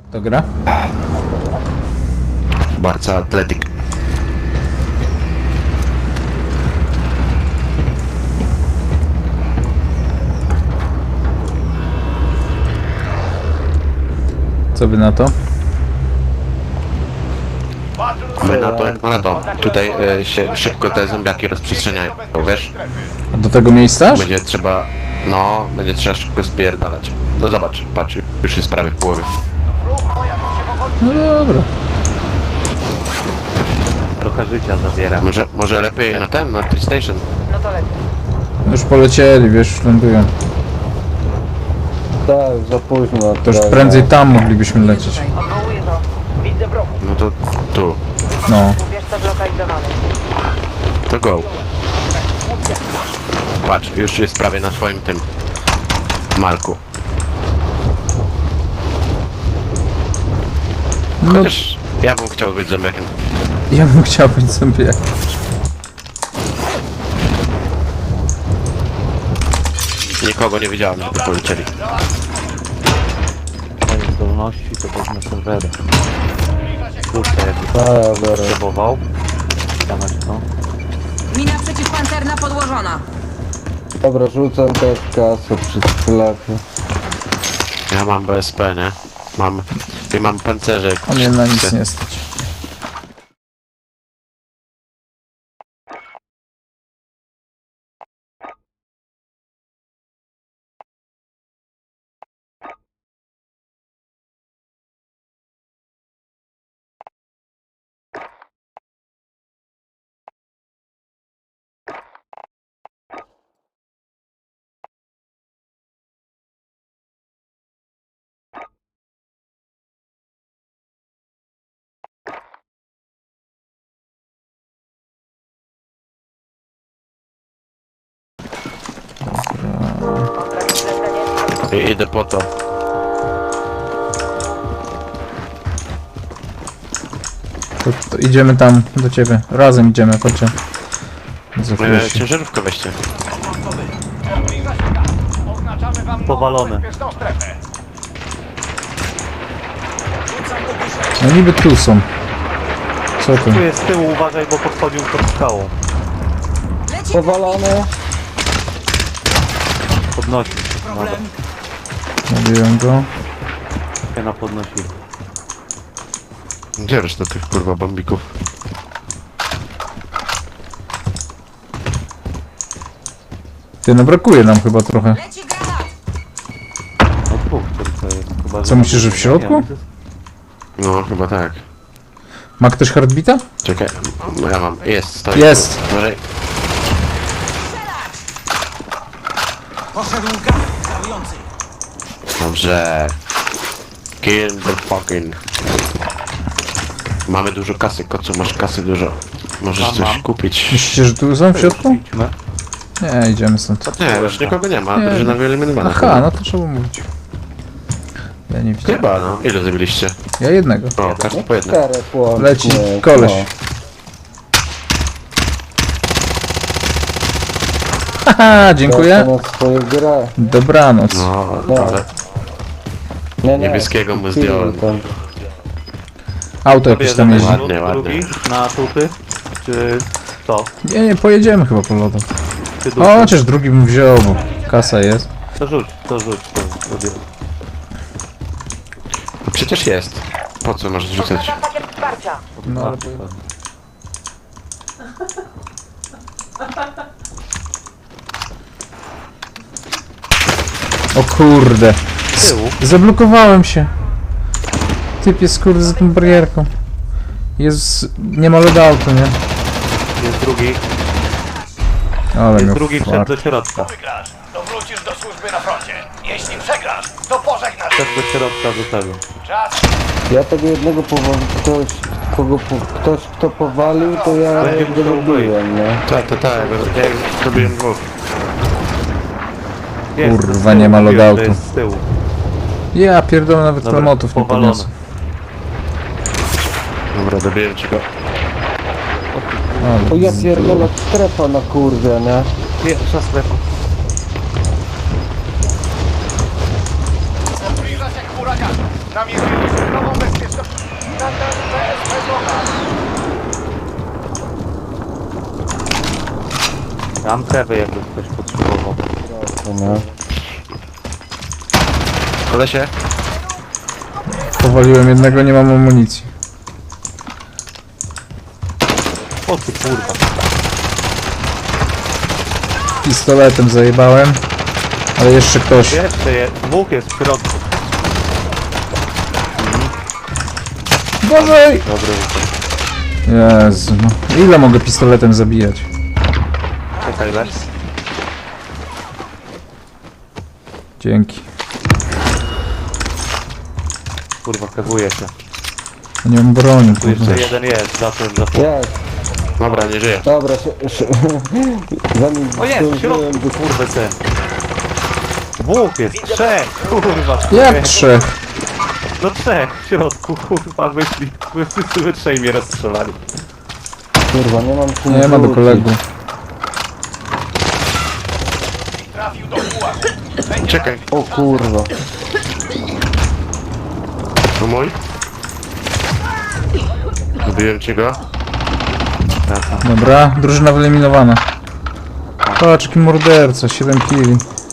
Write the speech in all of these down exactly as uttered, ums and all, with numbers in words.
To gra? Bardzo atletyk. Co by na to? My na to jak na to. Tutaj e, się szybko te zombiaki rozprzestrzeniają, wiesz? A do tego miejsca? aż? Będzie trzeba... No, będzie trzeba szybko spierdalać. No zobacz, patrz, już jest prawie w połowie. No dobra. Trochę życia zabiera. Może, może lepiej na ten, na PlayStation. No to lepiej. Już polecieli, wiesz, już lądują. Tak, za późno. To już prędzej tam moglibyśmy lecieć. Odwołuję to. Widzę wrogów. No to tu. No. Ubierz zlokalizowany. To go. Patrz, już jest prawie na swoim tym... Marku. No, Chociaż ja bym chciał być zombiakiem. ja bym chciał być sobie. Nikogo nie widziałem, żeby polecieli. Moje zdolności to wezmę serwery. Kurczę, jakby A, dobra. potrzebował. Dawać to. Mina przeciwpancerna podłożona. Dobra, rzucam też kasę przy sklepie. Ja mam B S P, nie? Mam... I mam pancerze. A mnie na nic nie stać. I idę po to. To, to idziemy tam do ciebie. Razem idziemy, chodźcie. Za E, chwilę się- ciężarówkę weźcie. Powalone. No niby tu są. Co tu? Tu jest z tyłu, uważaj, bo podchodził pod skałą. Leci Powalone. Podnosi. Dobra, Mówiłem go. się na podnosi. Gdzie reszta tych kurwa bombików? Ty, no brakuje nam chyba trochę. Leci granat. No dwóch tylko jest. Chyba, Co, myślisz, że w środku? No, chyba tak. Ma ktoś heartbeata? Czekaj, no ja mam. Jest, stoi. Jest. Może... Dobrze. Kill the fucking... Mamy dużo kasy, kocu, masz kasy dużo. Możesz Mam, coś mam. kupić. Myślicie, że tu są w środku? Idźmy. Nie, idziemy stąd. Nie, już nikogo nie ma, Nie. drużyna wyeliminowana. Aha, no to trzeba mówić. Ja nie widziałem. Chyba, no. Ile zabiliście? Ja jednego. O, każdy po jednym. Cztery łącznie. Leci koleś. No. Haha, dziękuję. Tracę na swoją grę. Dobranoc. No, No. ale... Nie, nie. Niebieskiego mu Kill zdjąłem. tam. Auto jakieś tam jeździ. Ładnie, ładnie. Drugi na tuty? Czy co? Nie, nie, pojedziemy chyba po lodach. Czy O, duży? chociaż drugi bym wziął, bo kasa jest. To rzuć, to rzuć, to robię. No przecież jest. Po co masz rzucać? Oznaczam pakiet wsparcia. No, ale O kurde. Z tyłu? Zablokowałem się. Typ jest kurde za tą barierką. Jest... nie ma loadoutu, nie? Jest drugi, Ale jest miał drugi wszedł fart. do środka. Wygrasz, to wrócisz do służby na froncie. Jeśli przegrasz, to pożegnasz. Wszedł do środka do tego. Czas. Ja tego jednego powalił, ktoś, kogo, po- ktoś kto powalił, to ja Będzie go musiał lubiłem, nie? Tak, tak, tak. Ja zrobiłem dwóch. Jest, Kurwa, z tyłu, nie ma mówiłem, loadoutu. że jest z tyłu. Ja pierdolę, nawet Dobra, klamotów nie powalony. podniosę. Dobra, dobiłem ci go. O ja pierdolę, strefa na kurde, nie? Pierwsza strefa. Zbliża się huragan. Namierzyliśmy nową bezpieczną... Nadal B S P Gocha. Mam kewy, jakby ktoś potrzebował. No. Kolesie? Powaliłem jednego, nie mam amunicji. O ty kurwa. Pistoletem zajebałem. Ale jeszcze ktoś. Jeszcze jest, dwóch jest w środku. Bożej! Dobry, Jezu, no. Ile mogę pistoletem zabijać? czekaj, leż. Dzięki. Kurwa, kewuje się. Nie mam broni, Tu jeszcze kurwa. jeden jest, za tym, za tym. Jest, Dobra, nie żyje. dobra, szy, szy, zanim O jest, w zdążyłem środku, do- kurwa, ten. Dwóch jest, trzech, kurwa. Jak trzech? No trzech, w środku, kurwa, wyszli. Wy wszyscy we trzej mnie rozstrzelali. Kurwa, nie mam czym Nie ma do wrócić. kolegów. Trafił do pułapu. Czekaj, O kurwa. to mój? Zbiłem ci go. Dobra, drużyna wyeliminowana. Patrz, jaki morderca, siedem killi.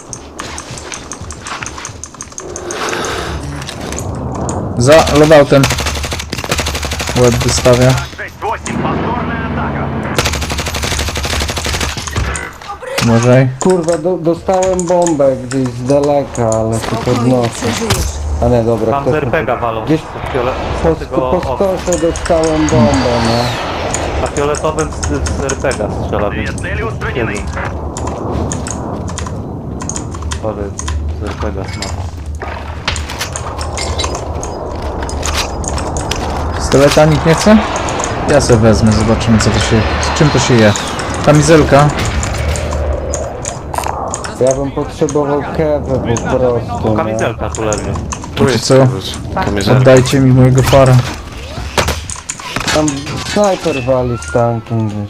Za loadoutem. Łeb wystawia. Uważaj. Kurwa, do, dostałem bombę gdzieś z daleka, ale się Spokojnie, podnoszę. przeżyjesz. A nie, dobra, Tam z ktoś... er pe ga walą. Gdzieś Z fiole... po, z tego po o- skosie dostałem bombę, no. Na fioletowym z, z er pe ga strzela. więc jeden. Ale z er pe ga smaga. Pistoleta nikt nie chce? Ja se wezmę, zobaczymy co to się... z czym to się je. Kamizelka. Ja bym potrzebował kewę po prostu, no. Kamizelka tu leży. Tu Wiecie jest co? kamizelka. Oddajcie mi mojego fara. Tam snajper wali z tankiem gdzieś.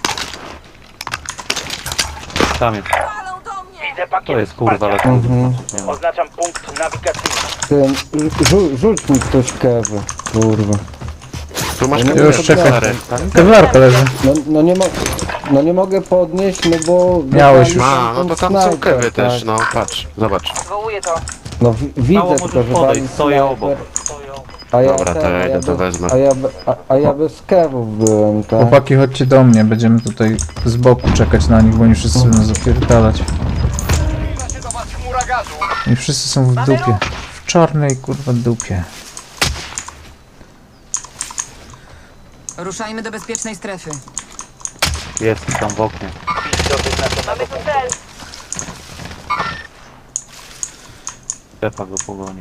Tam jest. Widzę pakiet To jest kurwa wsparcia. lekko. Mhm. Oznaczam punkt nawigacyjny. Ten, rzu, rzuć mi ktoś kewy, kurwa. Tu masz No Już kamizelkę. czekaj. stary. Kewlarka leży. No, no nie mo no nie mogę podnieść, no bo... Miałeś wywalił A, no ten to tam są snajper, kewy też, tak. no patrz, zobacz. Zwołuję to. No wi widzę, Mało tylko możesz że podejść, wali stoję snajper. obok. A ja Dobra, to ten, ja a idę, to bez- wezmę. A ja, be- a, a ja bez kewów byłem, tak? Chłopaki, chodźcie do mnie, będziemy tutaj z boku czekać na nich, bo oni wszyscy będą zapierdalać. Zbliża się do was chmura gazu. I wszyscy są w dupie. W czarnej kurwa dupie. Ruszajmy do bezpiecznej strefy. Jest tam w oknie. Mamy tu cel. Stefa go pogoni.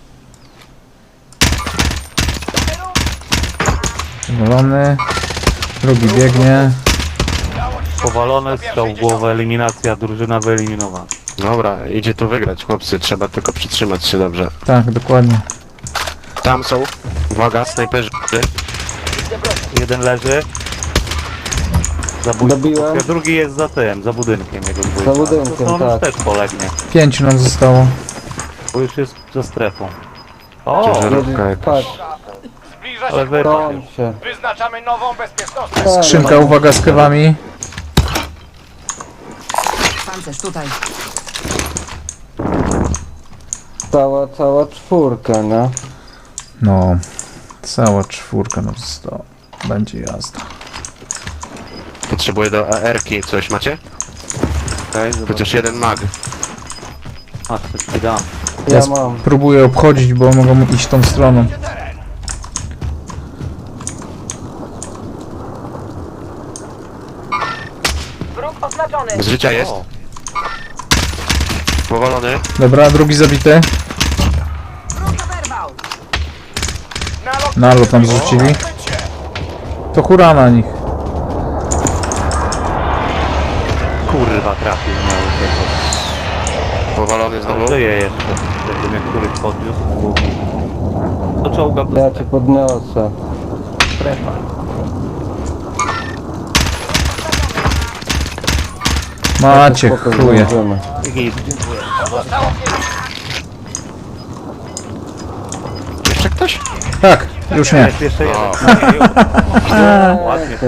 Powalony. Drugi biegnie. Powalone, strzał w głowę, eliminacja, drużyna wyeliminowana. Dobra, idzie tu wygrać, chłopcy, trzeba tylko przytrzymać się dobrze. Tak, dokładnie. Tam są, uwaga, snajperzy. Jeden leży. Zabójstwo. Dobiłem. Drugi jest za tym, za budynkiem jego dwójka. Za budynkiem, to on tak. już też polegnie, Pięciu nam zostało. bo już jest za strefą. O, Ciężarówka jakaś. Patrz, Zbliża ale się wy... to on się... Wyznaczamy nową bezpieczną strefę. Tak, Skrzynka, uwaga z kewami. Pancerz tutaj. Cała, cała czwórka, no. No. Cała czwórka nam została. Będzie jazda. Potrzebuję do A R ki coś, macie? Okej, zobacz. Chociaż jeden mag. A, coś ci dam. Ja Ja mam. próbuję obchodzić, bo mogą iść tą stroną. Wróg oznaczony. Z życia jest. O, Powalony. Dobra, drugi zabity. Wróg oberwał. Nalot Nalot tam zrzucili. To hura na nich. kurwa, trafił miały tego. Powalony znowu. Żyje jeszcze. Jakby mnie któryś podniósł, mógł. To czołga do Ja cię podniosę. strefa. Macie Spoko, chuje. zdążymy. Git. wygrałeś? Tak, już nie. Jest jeszcze jeden. O. Nie, już. Ładnie.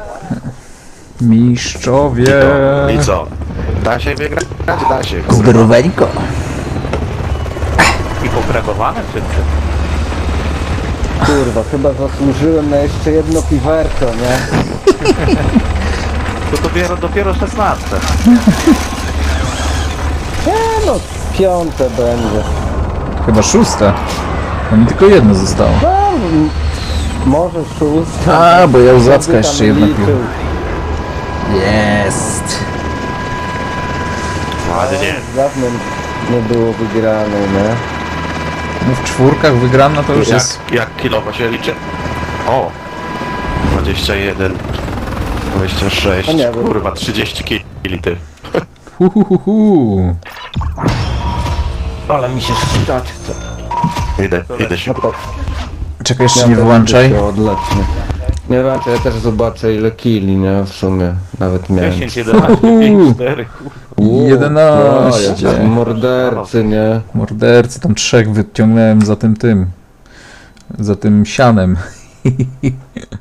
Mistrzowie. I co? Da się wygrać? Da się, kurwa. Zdroweńko. I pokragowane wszyscy. Kurwa, chyba zasłużyłem na jeszcze jedno piwerko, nie? To dopiero, dopiero szesnaste. Nie no, piąte będzie. Chyba szóste. No mi tylko jedno zostało. No, m- może szóste. A, bo ja Uzacka Kto by jeszcze tam jedno liczył? pił. Jest. Ładnie. Dawno nie było wygrane, nie? No w czwórkach wygrana to już Jak, jest... jak kilowo się liczy? O! dwadzieścia jeden, dwadzieścia sześć, A nie, bo- kurwa, trzydzieści kili ty. Hu, hu, hu, hu. Ale mi się szczytać chce. Idę, idę się. No to Czekaj, jeszcze ja nie też wyłączaj. się odletnę. Nie włączaj, ja też zobaczę ile kili, nie? W sumie. Nawet miałem. dziesięć, jedenaście, pięć, cztery. Uuu, jedenaście. o, jak mordercy, nie? Mordercy, tam trzech wyciągnąłem za tym tym. Za tym sianem.